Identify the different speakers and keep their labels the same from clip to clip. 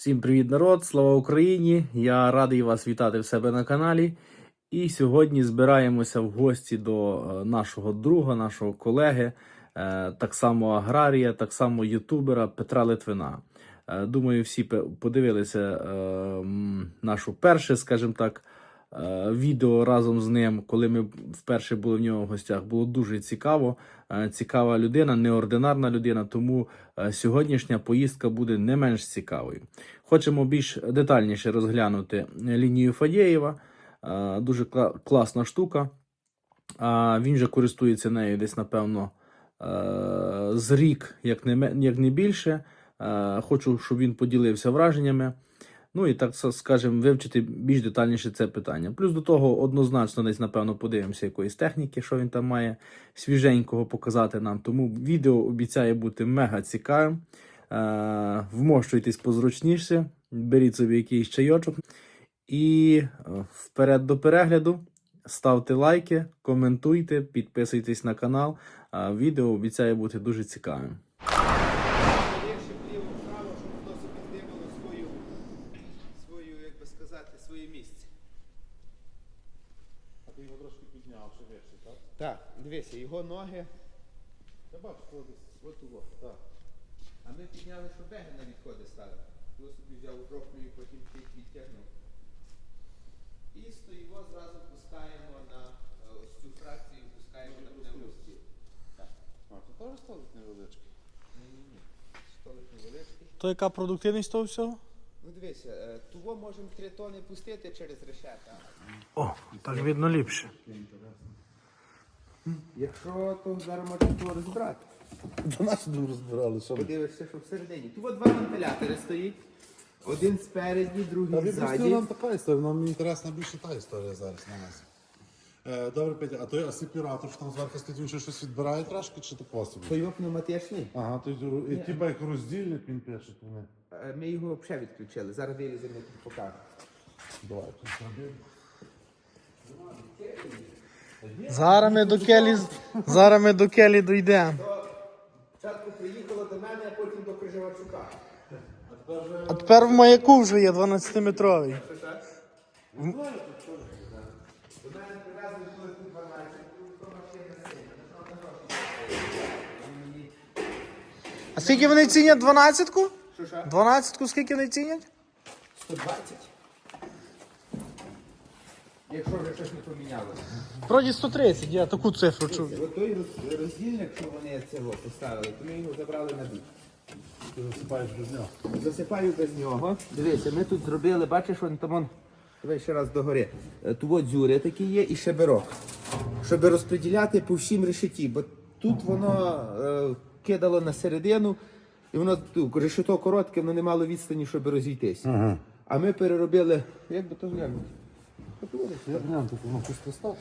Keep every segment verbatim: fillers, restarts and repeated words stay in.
Speaker 1: Всім привіт, народ! Слава Україні! Я радий вас вітати в себе на каналі. І сьогодні збираємося в гості до нашого друга, нашого колеги, так само аграрія, так само ютубера Петра Литвина. Думаю, всі подивилися нашу перше, скажімо так, відео разом з ним, коли ми вперше були в нього в гостях. Було дуже цікаво. Цікава людина, неординарна людина, тому сьогоднішня поїздка буде не менш цікавою. Хочемо більш детальніше розглянути лінію Фадєєва. Дуже класна штука. Він же користується нею десь, напевно, з рік, як не, як не більше. Хочу, щоб він поділився враженнями. Ну і, так скажемо, вивчити більш детальніше це питання. Плюс до того, однозначно, десь, напевно, подивимося якоїсь техніки, що він там має свіженького показати нам. Тому відео обіцяє бути мега цікавим. Е, вмощуйтесь позручніше, беріть собі якийсь чайочок. І вперед до перегляду. Ставте лайки, коментуйте, підписуйтесь на канал. Е, відео обіцяє бути дуже цікавим.
Speaker 2: Так, дивися, його ноги. Я бачу, що десь от його. Так. А ми підняли, що беги на відходи ставили. Його собі взяв у жовтню і потім чуть відтягнув. І стоїмо, зразу пускаємо на ось цю фракцію, пускаємо на пневмостіл. Так.
Speaker 3: А, це теж столик невеличкий?
Speaker 2: Ні-ні-ні. Столик невеличкий.
Speaker 1: То яка продуктивність того всього?
Speaker 2: Ну дивися, того можемо три тони пустити через решета.
Speaker 1: О, так видно ліпше.
Speaker 2: Якщо, то зараз можемо того розбирати.
Speaker 3: До нас тут розбирали, що ми.
Speaker 2: Подивишся, що всередині. Тут два вентилятори стоїть. Один спереді, другий
Speaker 3: Та відпустив
Speaker 2: ззаді.
Speaker 3: нам така історія, нам інтересна більше та історія зараз на нас. Е, добре, Петя, а той асепіратор, що там зверху стоїть, він ще щось відбирає трошки, чи тако собі?
Speaker 2: То його пневматичний.
Speaker 3: Ага, то й- і типа як роздільник він пише. Вони.
Speaker 2: Е, Ми його взагалі відключили. Зараз виліземо, тут покажу.
Speaker 3: Давай, тут зробимо.
Speaker 1: Зараз ми до келі, зараз ми до келі дійдемо.
Speaker 2: Спочатку приїхало до мене, а потім до Крижавчука.
Speaker 1: А тепер в маяку вже є дванадцятиметровий.
Speaker 2: До мене привезли, коли тут дванадцять, то машина сильна.
Speaker 1: А скільки вони цінять дванадцятку?
Speaker 2: Що, що?
Speaker 1: Дванадцятку скільки вони цінять?
Speaker 2: сто двадцять. Якщо вже щось не помінялося.
Speaker 1: Вроді сто тридцять, я таку цифру чув.
Speaker 2: От той роз- роздільник, що вони цього поставили, то ми його забрали на бік.
Speaker 3: Ти засипаєш без нього.
Speaker 2: Засипаю без нього. Дивися, ми тут зробили, бачиш, вон там он, давай ще раз догори. Е, Тут от дзюри такі є і шеберок. Щоб розподіляти по всім решеті, бо тут воно е, кидало на середину, і воно тут, решето коротке, воно не мало відстані, щоб розійтись.
Speaker 3: Ага.
Speaker 2: А ми переробили, як би то глянути?
Speaker 3: Я глянь, тут воно пусто став.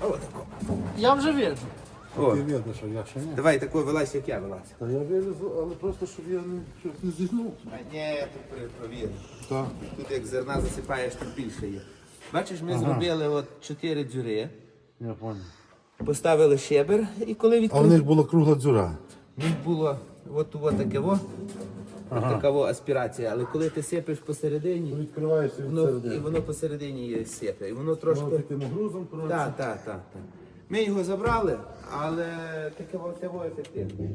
Speaker 1: Я вже вижу.
Speaker 2: О,
Speaker 3: Ти видно, що я ще ні.
Speaker 2: давай такою вилазь, як я вилазь.
Speaker 3: Та я вилізу, але просто, щоб я не, щоб не зігнув.
Speaker 2: А ні, тут пере- провір.
Speaker 3: Так.
Speaker 2: Тут як зерна засипаєш, тут більше є. Бачиш, ми зробили от чотири дзюри,
Speaker 3: Я понял.
Speaker 2: поставили щебер, і коли
Speaker 3: А в
Speaker 2: відкрили,
Speaker 3: них була кругла дзюра.
Speaker 2: в них було от, от таке во, от така во аспірація, але коли ти сипеш посередині,
Speaker 3: Відкриваєшся від
Speaker 2: воно, і
Speaker 3: середини.
Speaker 2: воно посередині є сипе, і воно трошки...
Speaker 3: Воно таким грузом, коротше.
Speaker 2: Так, так, так, так. Ми його забрали, але таке во, це во ефективно.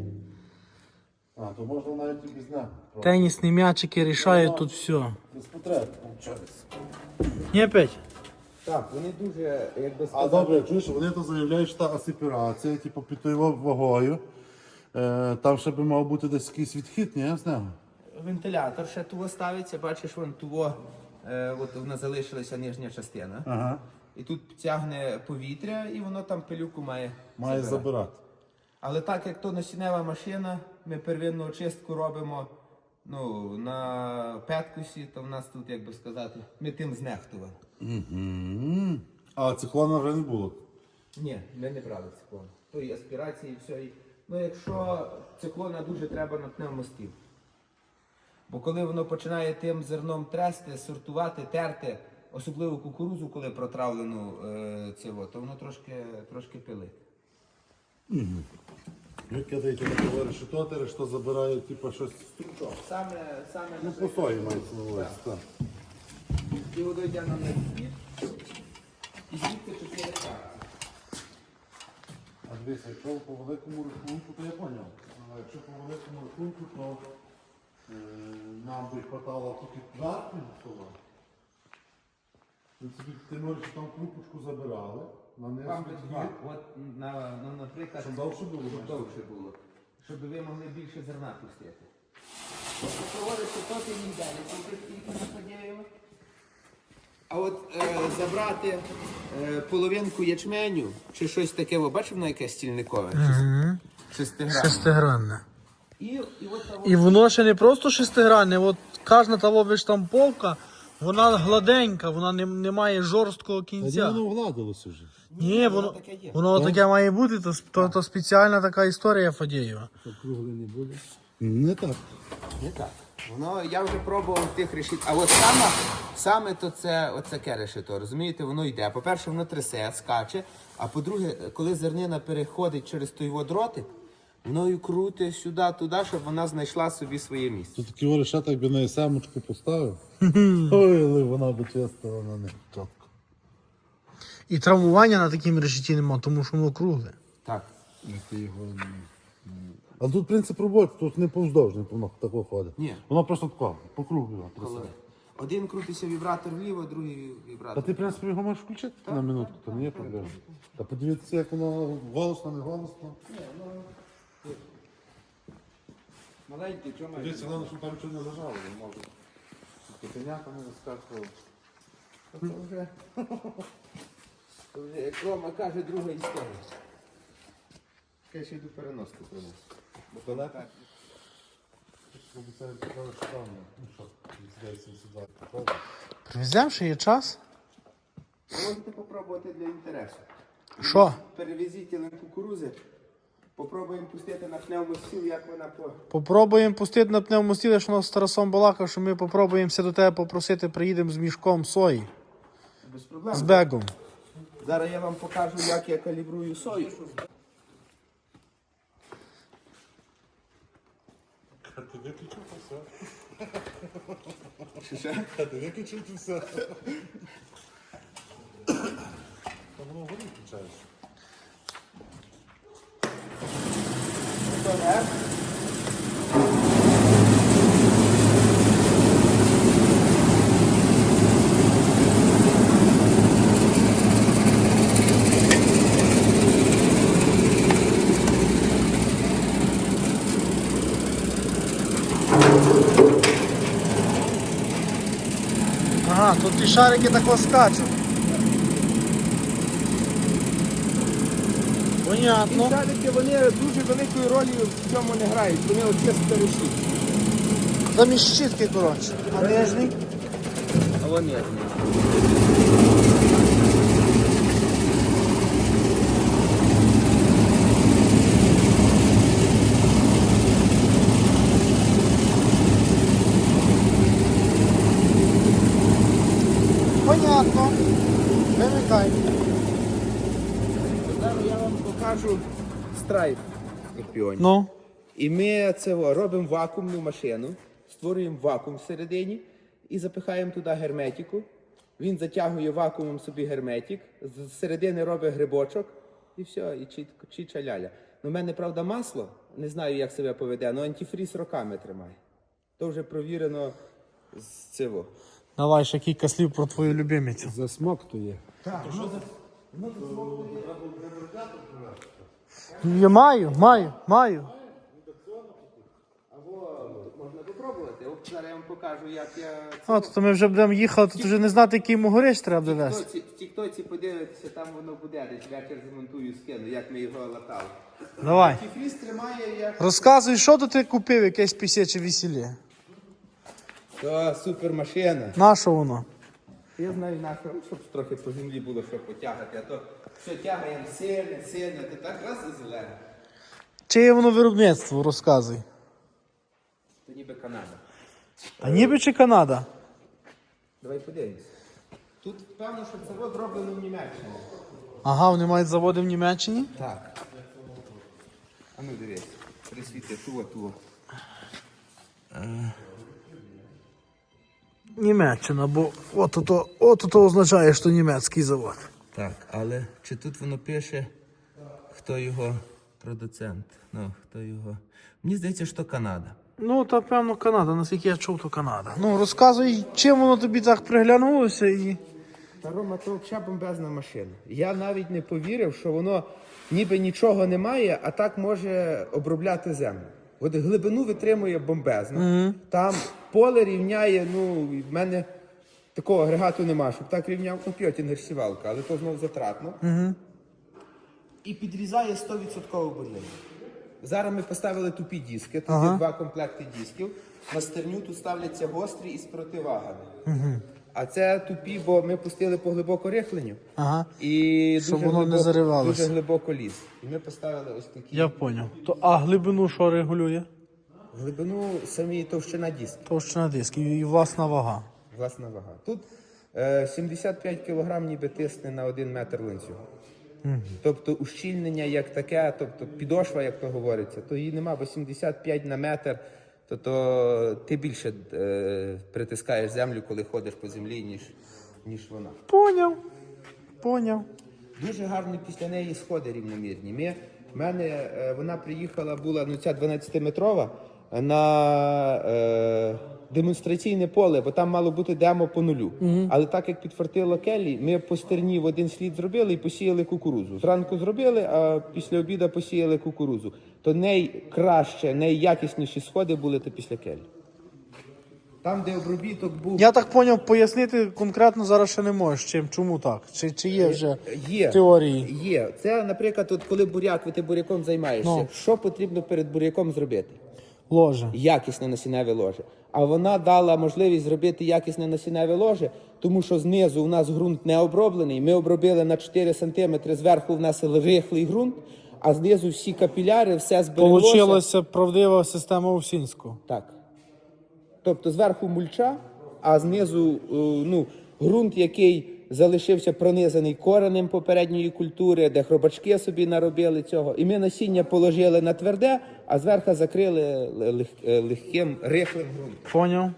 Speaker 3: А, то можна навіть і без нього.
Speaker 1: Тенісні м'ячики рішають тут все.
Speaker 3: Без потреб, виходить.
Speaker 1: Ні, Петь?
Speaker 2: Так, вони дуже, як би
Speaker 3: А
Speaker 2: сказати...
Speaker 3: добре, чуєш, вони то заявляють, що та асепірація, типу, під тою вагою. Е, там ще би мав бути десь якийсь відхід, ні, з нього?
Speaker 2: Вентилятор ще туго ставиться, бачиш, вон туго, е, от вона залишилася нижня частина.
Speaker 3: Ага.
Speaker 2: І тут тягне повітря, і воно там пилюку має.
Speaker 3: Має
Speaker 2: забирати.
Speaker 3: забирати.
Speaker 2: Але так як то насіннева машина, ми первинну очистку робимо ну, на петкусі, то в нас тут, як би сказати, ми тим знехтували.
Speaker 3: Угу. А циклона вже не було.
Speaker 2: Ні, ми не брали циклон. То і аспірації, і все. І... Ну, якщо циклона дуже треба на пневмостіл. Бо коли воно починає тим зерном трести, сортувати, терти, особливо кукурузу, коли протравлену е, цього, то воно трошки, трошки пилить.
Speaker 3: Ви кидаєте на того решето, решето забирає, типу, щось.
Speaker 2: Стручок. Саме, саме
Speaker 3: Ну, по сої мається на увазі, так.
Speaker 2: І воно йде нам на звіт. І звідти чотири карти.
Speaker 3: А дивіться, якщо по великому рахунку, то я поняв. А якщо по великому рахунку, то е, нам би хватало тільки кварту стола. Ти можеш там крупочку забирали,
Speaker 2: Вам би
Speaker 3: нанесли
Speaker 2: два.
Speaker 3: дві,
Speaker 2: От, на, ну, наприклад,
Speaker 3: щоб довше було.
Speaker 2: щоб довше було. Щоб ви могли більше зерна пустити. Тобто проводиться то ти ніде, тільки скільки нападіємо. А от е, забрати е, половинку ячменю чи щось таке, ви бачите, воно яке стільникове?
Speaker 1: Угу.
Speaker 2: Шестигранне.
Speaker 1: Шестигранне.
Speaker 2: І, і от того-
Speaker 1: І воно ще не просто шестигранне, от кожна того виштамповка, вона гладенька, вона не, не має жорсткого
Speaker 3: А де
Speaker 1: кінця.
Speaker 3: воно вгладилося вже?
Speaker 1: Ні, воно,
Speaker 2: таке є.
Speaker 1: воно таке має бути, то, то, то спеціальна така історія Фадєєва.
Speaker 2: Кругле не буде.
Speaker 3: Не так.
Speaker 2: Не так. Воно, я вже пробував тих решіт. А от саме, саме то це оцяке решето, розумієте, воно йде. По-перше, воно трясе, скаче. А по-друге, коли зернина переходить через той водротик, воно і крутить сюди, туди, щоб вона знайшла собі своє місце.
Speaker 3: Тут такі решета, якби на семочку поставив. Ой, але вона би чесно, вона не чітко.
Speaker 1: І травмування на такій решеті нема, тому що воно кругле.
Speaker 2: Так.
Speaker 3: А тут принцип роботи, тут не повздовжний, воно тако ходить.
Speaker 2: Ні.
Speaker 3: Воно просто тако, по кругу його
Speaker 2: Коли
Speaker 3: трясе.
Speaker 2: один крутиться вібратор вліво, другий
Speaker 3: Та
Speaker 2: вібратор.
Speaker 3: ти, в принципі, його можеш включити на минутку, то не є проблема. Та подивіться, як воно голосно, не голосно.
Speaker 2: Маленький, чому?
Speaker 3: Дивіться, головне, щоб там нічого не зажало, не може. Котеняка не заскакував.
Speaker 2: Це вже, це вже, як Рома каже, друга історія. Я ще йду переноску принесу. Бо то не так.
Speaker 3: Обіцяють, що там, ну що, відсідається сюди.
Speaker 1: Привеземо, ще є час.
Speaker 2: Можете попробувати для інтересу.
Speaker 1: Що?
Speaker 2: Перевезіть на кукурузи, попробуємо пустити на пневмостіл, як вона по...
Speaker 1: Попробуємо пустити на пневмостілі, що у нас з Тарасом балакав, що ми попробуємося до тебе попросити, приїдемо з мішком сої,
Speaker 2: Без проблем.
Speaker 1: з бегом.
Speaker 2: Зараз я вам покажу, як я калібрую сою.
Speaker 3: Ти виключив то все.
Speaker 2: Чи ще?
Speaker 3: Ти виключив то все. Та воно вгорі включаєш.
Speaker 2: То не?
Speaker 1: Ага, тут ті шарики тако скачуть. Понятно.
Speaker 2: Шарики, вони дуже великої ролі в цьому не грають, вони от чисто решіть.
Speaker 1: Там і щітки, коротше. А нижній?
Speaker 2: А вони.
Speaker 1: Понятно. Вимикай.
Speaker 2: Зараз я вам покажу страйк скорпіонів.
Speaker 1: Ну.
Speaker 2: І ми це о, робимо вакуумну машину, створюємо вакуум всередині і запихаємо туди герметику. Він затягує вакуумом собі герметик, з середини робить грибочок і все, і чітко, чича ляля. Ну, в мене, правда, масло, не знаю, як себе поведе, але антифріз роками тримає. То вже провірено з цього.
Speaker 1: Давай ще кілька слів про твою любимицю.
Speaker 2: Засмоктує.
Speaker 1: Я маю, маю, маю.
Speaker 2: Або можна попробувати. От зараз я вам покажу, як я...
Speaker 1: А, то ми вже будемо їхати, тут вже не знати, який йому горіч треба
Speaker 2: В
Speaker 1: довести.
Speaker 2: тіктоці, в тіктоці подивитися, там воно буде, десь вечір змонтую, скину, як ми його латали.
Speaker 1: Давай.
Speaker 2: Антифріз тримає як...
Speaker 1: Розказуй, що тут ти купив, якесь пісяче весілля.
Speaker 2: То супер машина.
Speaker 1: На що воно?
Speaker 2: Я знаю, на що, щоб трохи по землі було, що потягати, а то все тягаємо сильно, сильно, ти так раз і зелене.
Speaker 1: Чиє воно виробництво, розказуй.
Speaker 2: То ніби Канада.
Speaker 1: А ніби чи Канада?
Speaker 2: Давай подивимось. Тут певно, що це от зроблено в Німеччині.
Speaker 1: Ага, вони мають заводи в Німеччині?
Speaker 2: Так. А ну дивись, присвіти, туго, туго.
Speaker 1: Німеччина, бо от то, от то означає, що німецький завод.
Speaker 2: Так, але чи тут воно пише, хто його продуцент? Ну, хто його. Мені здається, що Канада.
Speaker 1: Ну, то певно Канада, наскільки я чув, то Канада. Ну, розказуй, чим воно тобі так приглянулося і.
Speaker 2: Та Рома, то взагалі бомбезна машина. Я навіть не повірив, що воно ніби нічого немає, а так може обробляти землю. От глибину витримує бомбезно. Mm-hmm. Там поле рівняє, ну, в мене такого агрегату немає, щоб так рівняв комп'ютер сівалка, але то знову затратно.
Speaker 1: Mm-hmm.
Speaker 2: І підрізає сто відсотків бурлення. Зараз ми поставили тупі диски, тут
Speaker 1: Ага.
Speaker 2: є два комплекти дисків. На стерню тут ставляться гострі із противагами.
Speaker 1: Угу.
Speaker 2: А це тупі, бо ми пустили по глибоко рихленню.
Speaker 1: Ага.
Speaker 2: І
Speaker 1: Щоб
Speaker 2: дуже
Speaker 1: воно не
Speaker 2: глибоко,
Speaker 1: заривалося.
Speaker 2: дуже глибоко ліз. І ми поставили ось такі.
Speaker 1: Я поняв. То, а глибину що регулює?
Speaker 2: Глибину самі товщина диски,
Speaker 1: Товщина дисків і власна вага.
Speaker 2: власна вага. Тут е, сімдесят п'ять кілограм ніби тисне на один метр ланцюга.
Speaker 1: Угу.
Speaker 2: Тобто ущільнення як таке, тобто підошва, як то говориться, то її нема, бо сімдесят п'ять на метр, то, то ти більше е, притискаєш землю, коли ходиш по землі, ніж, ніж вона.
Speaker 1: Поняв. Поняв.
Speaker 2: Дуже гарно після неї сходи рівномірні. Ми, в мене е, вона приїхала, була ну, ця дванадцятиметрова на е, демонстраційне поле, бо там мало бути демо по нулю.
Speaker 1: Угу.
Speaker 2: Але так як підфартило келі, ми по стерні в один слід зробили і посіяли кукурузу. Зранку зробили, а після обіду посіяли кукурузу. То найкраще, найякісніші сходи були то після келі. Там, де обробіток був...
Speaker 1: Я так поняв, пояснити конкретно зараз ще не можеш, чим, чому так? Чи, чи є вже
Speaker 2: Є,
Speaker 1: теорії?
Speaker 2: Є. Це, наприклад, от коли буряк, ти буряком займаєшся,
Speaker 1: Ну.
Speaker 2: що потрібно перед буряком зробити?
Speaker 1: Ложе.
Speaker 2: Якісне насінневе ложе. А вона дала можливість зробити якісне насінневе ложе, тому що знизу у нас ґрунт не оброблений. Ми обробили на чотири сантиметри, зверху в нас рихлий ґрунт, а знизу всі капіляри, все збереглося.
Speaker 1: Получилася правдива система Овсінського.
Speaker 2: Так. Тобто зверху мульча, а знизу е, ну, ґрунт, який залишився пронизаний коренем попередньої культури, де хробачки собі наробили цього. І ми насіння положили на тверде, а зверху закрили лег- е, легким, рихлим ґрунтом.
Speaker 1: Поняв.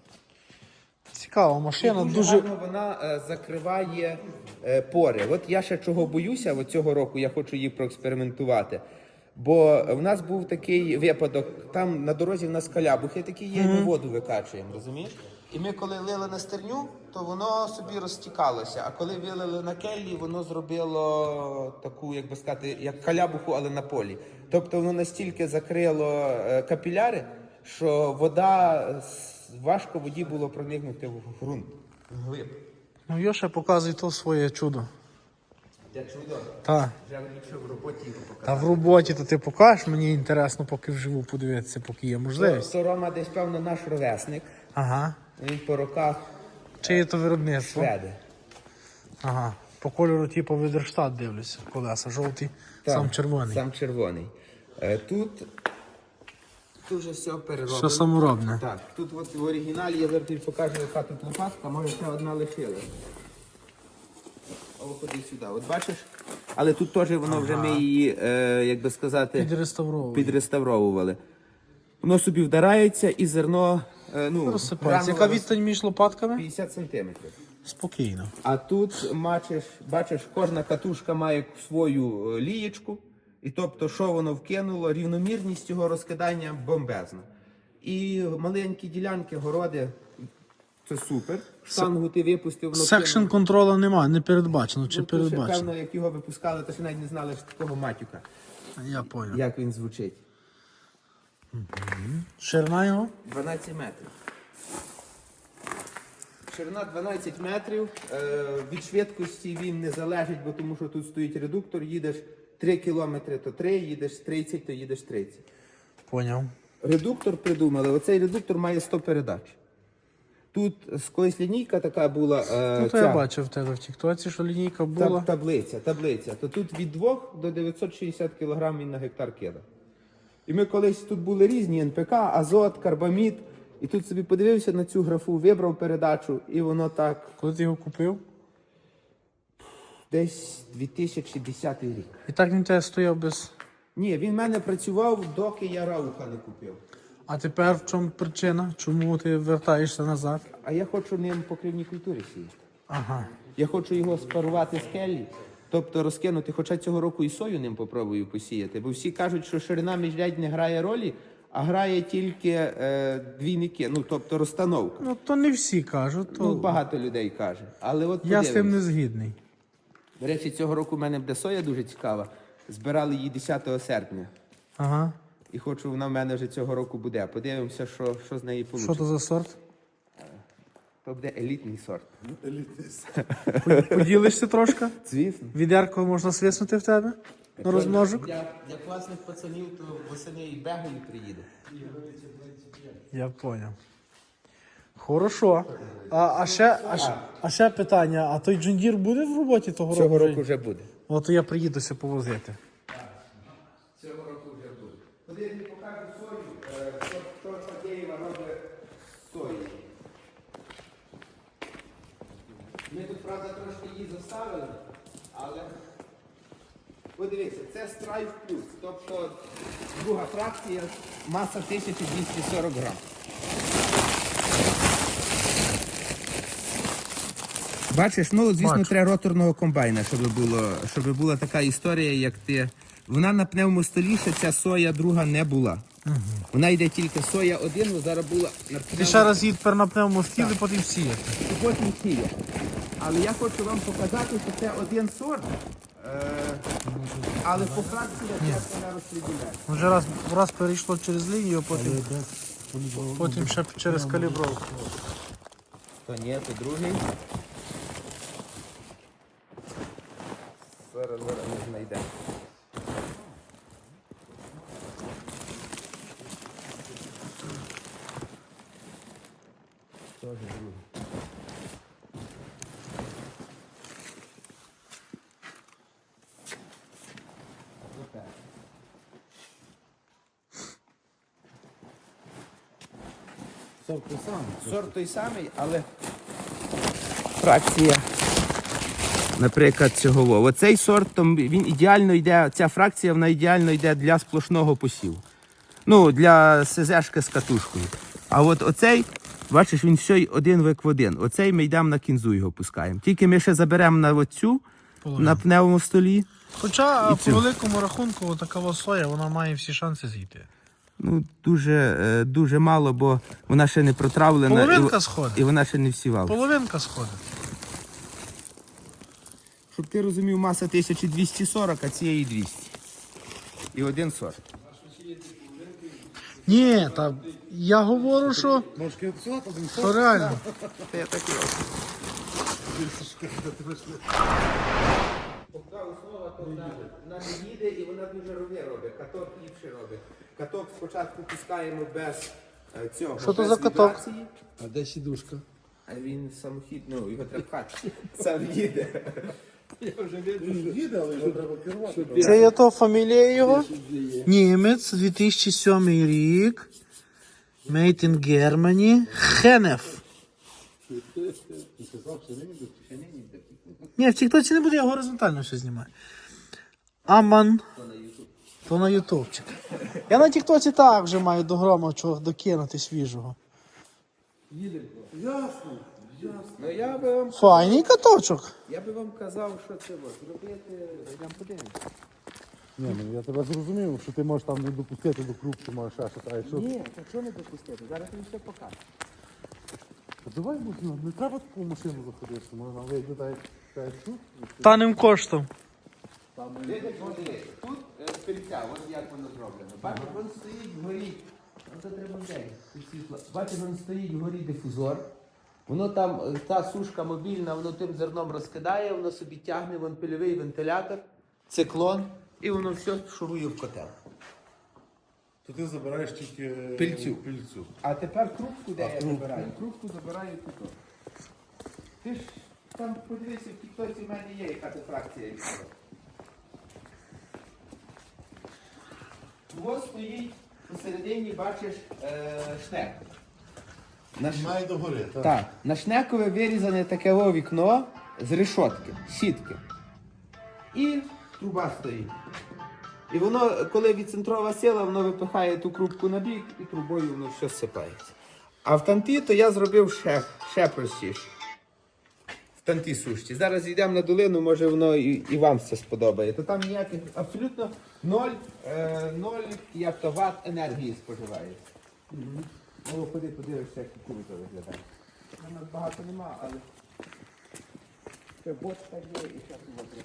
Speaker 1: Цікава машина,
Speaker 2: Дуже,
Speaker 1: дуже.
Speaker 2: гарно вона е, закриває е, пори. От я ще чого боюся, от цього року я хочу її проекспериментувати. Бо в нас був такий випадок, там на дорозі в нас калябухи такі є, і ми воду викачуємо, розумієш? І ми коли лили на стерню, то воно собі розтікалося, а коли вилили на келлі, воно зробило таку, як би сказати, як калябуху, але на полі. Тобто воно настільки закрило е, капіляри, що вода, с- важко воді було проникнути в ґрунт, в глиб.
Speaker 1: Ну, Йоша показує то своє чудо.
Speaker 2: Я чудо,
Speaker 1: Так.
Speaker 2: вже якщо в роботі його показати.
Speaker 1: Та в роботі то ти покажеш, мені інтересно, поки вживу подивитися, поки є можливість.
Speaker 2: То Рома десь, певно, наш ровесник,
Speaker 1: Ага.
Speaker 2: він по роках
Speaker 1: Чи є то виробництво?
Speaker 2: шведи.
Speaker 1: Ага. По кольору, типу, Відерштат дивлюся. Колеса жовті, сам червоний.
Speaker 2: Сам червоний. Е, Тут, тут вже все перероблено.
Speaker 1: Все саморобне.
Speaker 2: Так, тут от в оригіналі я зараз тобі покажу, яка тут лопатка, може ще одна лишилась. О, ходи сюди. От бачиш? Але тут теж воно вже ми її, е, як би сказати,
Speaker 1: Підреставровували.
Speaker 2: підреставровували. Воно собі вдарається і зерно, е, ну,
Speaker 1: Розсипається. Яка
Speaker 2: гранула
Speaker 1: відстань між лопатками?
Speaker 2: п'ятдесят сантиметрів.
Speaker 1: Спокійно.
Speaker 2: А тут бачиш, бачиш, кожна катушка має свою е, лієчку, і тобто, що воно вкинуло, рівномірність його розкидання бомбезна. І маленькі ділянки, городи, це супер. Штангу ти випустив, воно
Speaker 1: Секшн контрола немає, не передбачено чи
Speaker 2: Ну, то ще,
Speaker 1: передбачено?
Speaker 2: певно, як його випускали, то ще навіть не знали що такого матюка,
Speaker 1: Я понял.
Speaker 2: як він звучить.
Speaker 1: Ширина його?
Speaker 2: дванадцять метрів. Ширина дванадцять метрів. Е, від швидкості він не залежить, бо тому що тут стоїть редуктор. Їдеш три кілометри, то три, їдеш тридцять, то їдеш тридцять.
Speaker 1: Поняв.
Speaker 2: Редуктор придумали. Оцей редуктор має сто передач. Тут з- колись лінійка така була. Е,
Speaker 1: Ну, то
Speaker 2: ця,
Speaker 1: я бачив в тебе в тіктоці, що лінійка була.
Speaker 2: таб- таблиця, таблиця. То тут від двох до дев'ятсот шістдесят кілограм він на гектар кидав. І ми колись тут були різні ен пе ка, азот, карбамід. І тут собі подивився на цю графу, вибрав передачу, і воно так
Speaker 1: Коли ти його купив?
Speaker 2: десь дві тисячі десятий рік.
Speaker 1: І так він тебе стояв без.
Speaker 2: Ні, він в мене працював, доки я рауха не купив.
Speaker 1: А тепер в чому причина? Чому ти вертаєшся назад?
Speaker 2: А я хочу ним покривні культури сіяти.
Speaker 1: Ага.
Speaker 2: Я хочу його спарувати з келлі, тобто розкинути, хоча цього року і сою ним попробую посіяти, бо всі кажуть, що ширина міжрядь не грає ролі, а грає тільки е, двійники, ну тобто розстановка.
Speaker 1: Ну то не всі кажуть, то
Speaker 2: Ну, багато людей каже. Але от
Speaker 1: я з тим
Speaker 2: подивимось.
Speaker 1: не згідний.
Speaker 2: До речі, цього року в мене буде соя дуже цікава. Збирали її десятого серпня.
Speaker 1: Ага.
Speaker 2: І хочу, вона в мене вже цього року буде. Подивимося, що, що з неї вийде.
Speaker 1: Що то за сорт?
Speaker 2: То буде елітний сорт.
Speaker 1: Поділишся трошки?
Speaker 2: Звісно.
Speaker 1: Відерко можна свиснути в тебе? На розмножок?
Speaker 2: Для, для класних пацанів, то восени і бегаю приїде.
Speaker 1: Я поняв. Хорошо. А, а, ще, а, ще, а ще питання, а той джундір буде в роботі того року?
Speaker 2: Цього
Speaker 1: вже?
Speaker 2: року вже буде.
Speaker 1: От я приїдуся повозити.
Speaker 2: Цього року вже буде. Коли я тобі покажу сою, е, що, що Фадєєва робить з сої. Ми тут, правда, трошки її заставили, але подивіться, це страйф плюс, тобто друга фракція, маса тисяча двісті сорок грам. Бачиш, ну звісно,
Speaker 1: Бачу.
Speaker 2: треба роторного комбайна, щоб було, щоб була така історія, як ти. Вона на пневмостолі, ще ця соя друга не була. Угу. Вона йде тільки соя один, але зараз була на
Speaker 1: Ти ще раз їдь тепер на пневмостіл і потім сіяти.
Speaker 2: і потім сіє. Але я хочу вам показати, що це один сорт, е, але по фракції як вона розподіляє.
Speaker 1: Вже раз, раз перейшло через лінію, а потім, потім ще через калібровку.
Speaker 2: То ні, то другий. Зараз, зараз ми знайдемо. Тоже другий. Отак.
Speaker 3: Сорт той самий.
Speaker 2: Сорт той самий, але фракція, наприклад, цього. Оцей сорт, то він ідеально йде, ця фракція, вона ідеально йде для сплошного посіву. Ну, для СЗшки з катушкою. А от оцей, бачиш, він все один вик в один. Оцей ми йдемо на кінзу його пускаємо. Тільки ми ще заберемо на оцю, на пневмостолі.
Speaker 1: Хоча
Speaker 2: І
Speaker 1: по
Speaker 2: цю.
Speaker 1: великому рахунку така соя, вона має всі шанси зійти.
Speaker 2: Ну, дуже, е, дуже мало, бо вона ще не протравлена.
Speaker 1: Половинка
Speaker 2: і,
Speaker 1: сходить.
Speaker 2: і вона ще не всівала.
Speaker 1: Половинка сходить.
Speaker 2: Щоб ти розумів, маса тисяча двісті сорок, а цієї двісті. І один сорт.
Speaker 1: Ні, та я говорю, що,
Speaker 3: Ножки сюди, один
Speaker 1: що реально.
Speaker 2: Та я так і роблю. Поки основа, то вона, вона не їде і вона дуже рови робить. Каток ліпше робить. Каток спочатку пускаємо без е, цього.
Speaker 1: Що то
Speaker 2: без
Speaker 1: за каток?
Speaker 2: вібрації,
Speaker 3: А де сідушка?
Speaker 2: А він самохід, ну його треба пхати. Сам їде.
Speaker 3: Він їде, але його треба керувати.
Speaker 1: Це є то фамілія його? Німець, дві тисячі сьомий рік. Made in Germany. Хенеф. Ні, в тіктоці не буде, я горизонтально все знімаю. Аман. То на ютубчик. Я на тіктоці так вже маю до грома чого докинути свіжого.
Speaker 3: Ясно.
Speaker 2: Ну я би вам,
Speaker 1: Файний каточок.
Speaker 2: я би вам казав, що це от, зробити, йдемо подивимося.
Speaker 3: Ні, ну я тебе зрозумів, що ти можеш там не допустити до крупки, можеш ще щось. А якщо...
Speaker 2: Ні, так що не допустити? Зараз він все покаже.
Speaker 3: Та давай, ну, не треба таку машину заходити, можна вийти так, як тут.
Speaker 1: Таним коштом.
Speaker 2: Видите, подивись, тут е, пильця, ось як воно зроблено. Бачиш, він стоїть вгорі. Оце треба вдень. Бачиш, він стоїть вгорі дифузор. Воно там, е, та сушка мобільна, воно тим зерном розкидає, воно собі тягне, вон пильовий вентилятор, циклон, і воно все шурує в котел.
Speaker 3: То ти забираєш тільки
Speaker 2: Пильцю.
Speaker 3: пильцю.
Speaker 2: А тепер трубку, де я забираю? Трубку забираю тут. Ти ж там подивися, в тіктоці в мене є, яка це фракція рішила. Ось стоїть посередині, бачиш, е, шнек. На ш-
Speaker 3: Має догори, так.
Speaker 2: Так, на шнекове вирізане таке о вікно з решотки, сітки. І труба стоїть. І воно, коли відцентрова сила, воно випихає ту крупку на бік і трубою воно все сипається. А в танті то я зробив ще, ще простіше. В танті сушці. Зараз йдемо на долину, може воно і, і вам це сподобає. То там ніяких абсолютно ноль, е, ноль як то ват енергії споживається. Угу. Ну, ходи, подивишся, як кукурудза виглядає. У нас багато нема, але ще бочка є і ще води.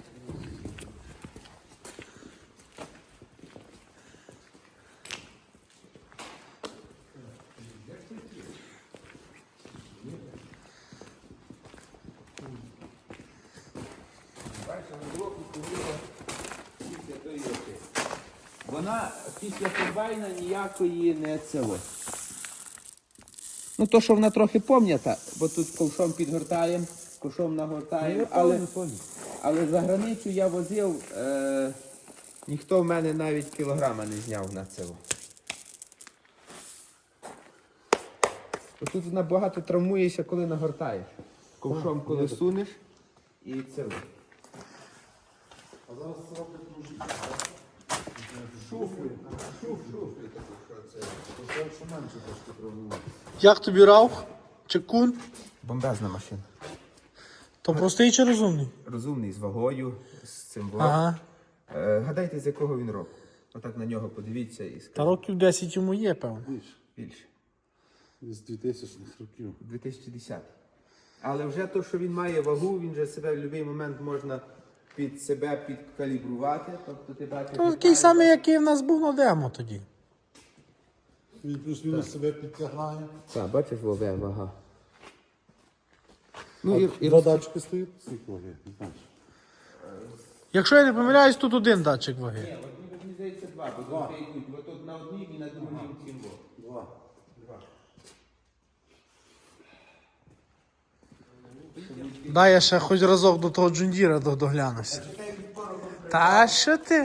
Speaker 2: Вона після комбайна ніякої не цього. Ну то, що вона трохи пом'ята, бо тут ковшом підгортаємо, ковшом нагортаємо, але, але за границю я возив, е, ніхто в мене навіть кілограма не зняв на цього. Бо тут набагато травмуєшся, коли нагортаєш. Ковшом, коли сунеш і це.
Speaker 3: А зараз це роблять дуже.
Speaker 2: Шуфлі, шуф, шуфлі такі, що це.
Speaker 3: Це що менше трошки тренувати.
Speaker 1: Як тобі раух? Чи кун?
Speaker 2: Бомбезна машина.
Speaker 1: То простий чи розумний?
Speaker 2: Розумний, з вагою, з цим блоком.
Speaker 1: Ага.
Speaker 2: Е, гадайте, з якого він року. Отак на нього подивіться і
Speaker 1: Та
Speaker 2: скажіть.
Speaker 1: років десять йому є, певно.
Speaker 3: Більше.
Speaker 2: Більше.
Speaker 3: З двохтисячних років.
Speaker 2: дві тисячі десятий. Але вже то, що він має вагу, він же себе в будь-який момент можна під себе підкалібрувати. Тобто ти бачиш...
Speaker 1: То такий самий, який в нас був на демо тоді.
Speaker 3: Він плюс-мінус себе підтягає.
Speaker 2: Так, бачиш, вове, вага. Ну,
Speaker 3: А
Speaker 2: і, і...
Speaker 3: два датчики стоїть, скільки ваги, не знаєш.
Speaker 1: Якщо я не помиляюсь, тут один датчик ваги.
Speaker 2: Ні, от мені здається два, бо
Speaker 3: Два.
Speaker 2: тут йдуть. От тут на одній і на другій цим во.
Speaker 3: Два.
Speaker 2: Два.
Speaker 1: Дай я ще хоч разок до того джундіра до- доглянуся. Та що ти?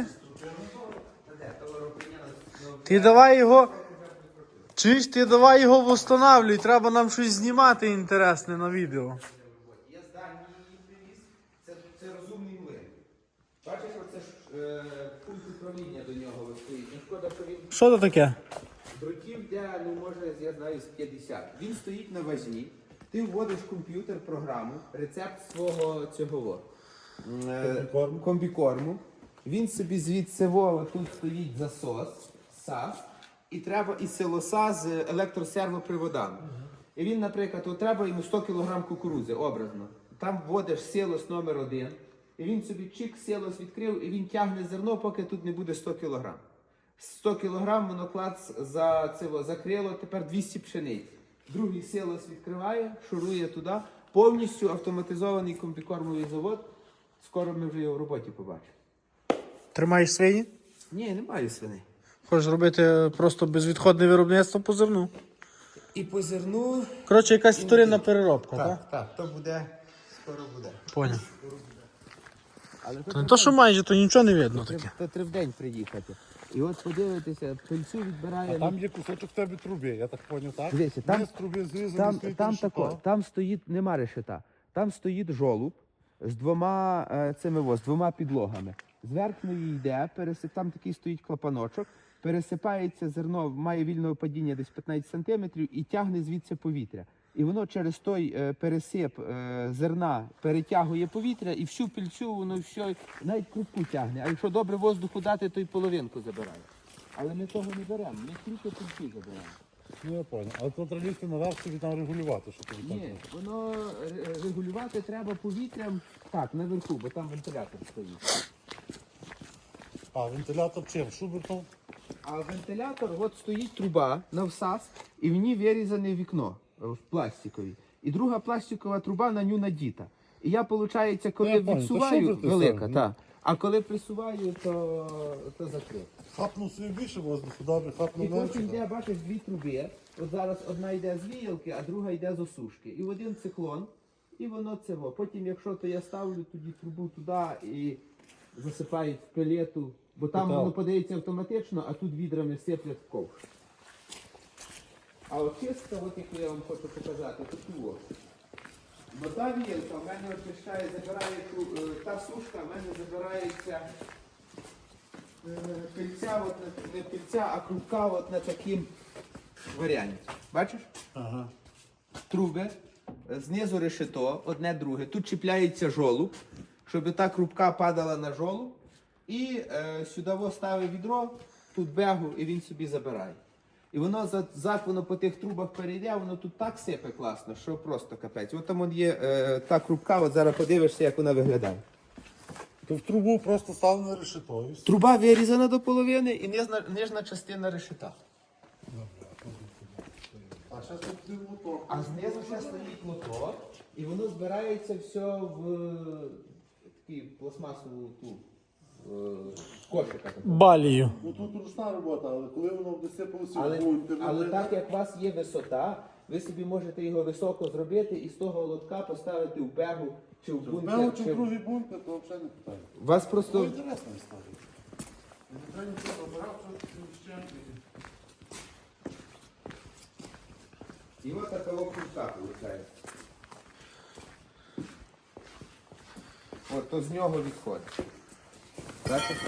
Speaker 1: Ти давай його. Чуєш, ти давай його восстанавлюй, треба нам щось знімати інтересне на відео.
Speaker 2: Я з Данії її привіз. Це, це розумний млин. Бачиш, оце ж е, пункт управління до нього стоїть. Не шкода, що він
Speaker 1: Що це таке?
Speaker 2: дротів, де, ну може, я знаю, з п'ятдесят. Він стоїть на вазі. Ти вводиш в комп'ютер програму, рецепт свого цього е,
Speaker 3: Комбікорму.
Speaker 2: комбікорму. Він собі звідси во, тут стоїть засос, сас, і треба і силоса з електросервоприводами. І він, наприклад, от треба йому сто кілограм кукурудзи, образно. Там вводиш силос номер один, і він собі чик, силос відкрив, і він тягне зерно, поки тут не буде сто кілограм. сто кілограм моноклад за це закрило, тепер двісті пшениць. Другий силос відкриває, шурує туди. Повністю автоматизований комбікормовий завод. Скоро ми вже його в роботі побачимо.
Speaker 1: Тримаєш свині?
Speaker 2: Ні, немає свиней.
Speaker 1: Хочеш робити просто безвідходне виробництво по зерну.
Speaker 2: І по зерну...
Speaker 1: Коротше, якась вторинна переробка, так?
Speaker 2: Так, так, то буде, скоро буде.
Speaker 1: Поняв.
Speaker 2: Але
Speaker 1: То не то, що майже, то нічого не видно
Speaker 2: Треба
Speaker 1: таке.
Speaker 2: то треба в день приїхати. І от подивитися, пильцю відбирає...
Speaker 3: А там є кусочок в тебе труби, я так поняв, так?
Speaker 2: Дивіться, там-
Speaker 3: Низ труби зрізаний,
Speaker 2: Там,
Speaker 3: стоїть
Speaker 2: там,
Speaker 3: решето.
Speaker 2: тако, там стоїть, нема решета, там стоїть жолуб з двома е, цими во, з двома підлогами. З верхньої йде, пересип, там такий стоїть клапаночок, пересипається зерно, має вільне падіння десь п'ятнадцять сантиметрів і тягне звідси повітря. І воно через той е, пересип е, зерна перетягує повітря і всю пільцю, воно все, навіть крупку тягне. А якщо добре воздуху дати, то й половинку забирає. Але ми того не беремо, ми тільки пільцю забираємо.
Speaker 3: Ну, я поняв. Але контролісти наверх собі там регулювати, що тобі там.
Speaker 2: Ні, воно ре- регулювати треба повітрям так, наверху, бо там вентилятор стоїть.
Speaker 3: А, вентилятор чим? Шубертом?
Speaker 2: А вентилятор, от стоїть труба на всас, і в ній вирізане вікно е, в пластиковій. І друга пластикова труба на ню надіта. І я, виходить, коли
Speaker 3: Я понял, то
Speaker 2: відсуваю,
Speaker 3: шуберти
Speaker 2: велика,
Speaker 3: самі,
Speaker 2: та. А коли присуваю, то, то закрито.
Speaker 3: Хапнув собі більше воздуху, добре,
Speaker 2: І
Speaker 3: хапнув
Speaker 2: потім
Speaker 3: менше.
Speaker 2: йде, бачиш, дві труби. От зараз одна йде з віялки, а друга йде з осушки. І в один циклон, і воно цього. Потім, якщо то я ставлю тоді трубу туди і засипають в пелету, бо там
Speaker 3: Питав.
Speaker 2: воно подається автоматично, а тут відрами сиплять в ковш. А очистка, от яку я вам хочу показати, таку ось. Бо та віялка в мене очищає, забирає ту, е, та сушка в мене забирається е, пильця, от на, не пильця, а крупка от на таким варіанті. Бачиш?
Speaker 3: Ага.
Speaker 2: Труби, е, знизу решето, одне друге. Тут чіпляється жолуб, щоб та крупка падала на жолуб. І е, сюди во ставить відро, тут бегу, і він собі забирає. І воно за- зад воно по тих трубах перейде, воно тут так сипе класно, що просто капець. От там от є е, та крупка, от зараз подивишся, як вона виглядає.
Speaker 3: То в трубу просто став на решето. І все.
Speaker 2: Труба вирізана до половини і нижна, нижня частина решета.
Speaker 3: А зараз тут буде мотор.
Speaker 2: А знизу ще стоїть мотор, і воно збирається все в е, такий пластмасову ту е, кошика. такого.
Speaker 1: Балію.
Speaker 3: Ну тут ручна робота, але коли воно буде сипалося
Speaker 2: Але,
Speaker 3: в бункер,
Speaker 2: але
Speaker 3: ну,
Speaker 2: так як у вас є висота, ви собі можете його високо зробити і з того лотка поставити в бегу чи в
Speaker 3: в
Speaker 2: бункер.
Speaker 3: Белу чи
Speaker 2: чи
Speaker 3: в
Speaker 2: в-
Speaker 3: другий бункер, то взагалі не питання.
Speaker 2: У вас
Speaker 3: Це
Speaker 2: просто
Speaker 3: інтересна історія. Не треба нічого забирати, що ще.
Speaker 2: і ось така крупка виходить. От то з нього відходить. Бачите?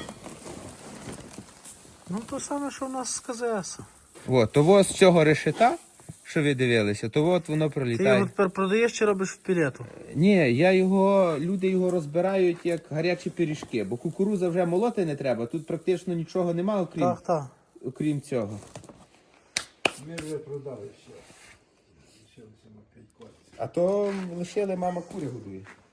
Speaker 1: Ну, то саме, що в нас з КЗС.
Speaker 2: От, того з цього решета, що ви дивилися, то от воно
Speaker 1: Ти
Speaker 2: пролітає.
Speaker 1: його тепер продаєш чи робиш в пілету?
Speaker 2: Ні, я його, люди його розбирають як гарячі пиріжки, бо кукуруза вже молоти не треба, тут практично нічого немає, окрім,
Speaker 1: Так, так.
Speaker 2: окрім цього.
Speaker 3: Ми вже продали ще. Лишилося на п'ять кольців.
Speaker 2: А то лишили, мама курі годує.